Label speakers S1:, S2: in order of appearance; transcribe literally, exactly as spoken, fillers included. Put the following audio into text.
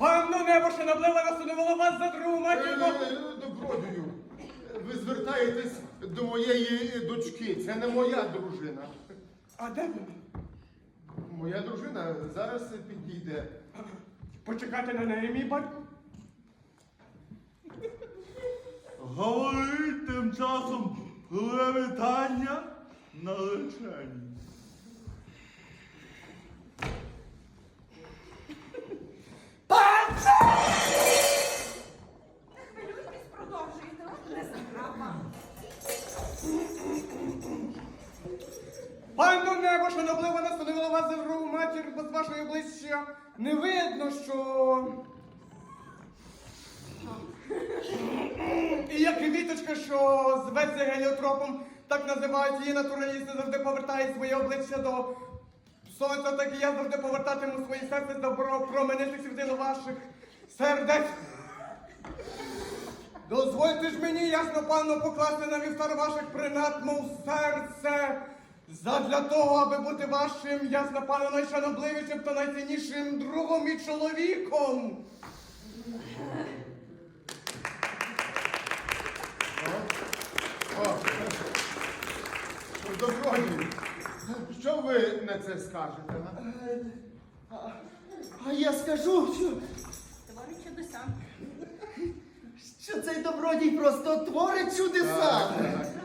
S1: Панно небо, що наблила насунувало вас за другу матірку.
S2: Добродію, ви звертаєтесь до моєї дочки. Це не моя дружина.
S1: А де вона?
S2: Моя дружина зараз підійде.
S1: Почекайте на неї, мій батько.
S3: Говорить тим часом левітання наречені.
S4: Хвилюйтесь, продовжуйте, не заправа.
S1: Панно небо, що наблива насунувало вас за другу матір, бо з вашої обличчя не видно, що... І як квіточка, що зветься геліотропом, так називають її натуралісти, завжди повертають своє обличчя до сонця, так і я завжди повертатиму своє серце добро променитих світило ваших сердець. Дозвольте ж мені, ясно, панно, покласти на вівтар ваших принад, мов серце, задля того, аби бути вашим, ясно, панно, найшанобливішим та найціннішим другом і чоловіком.
S2: О, добродію, що ви на це скажете? а?
S5: А, а я скажу, що,
S4: Творить чудеса.
S5: що цей добродій просто творить чудеса.
S2: Так, так.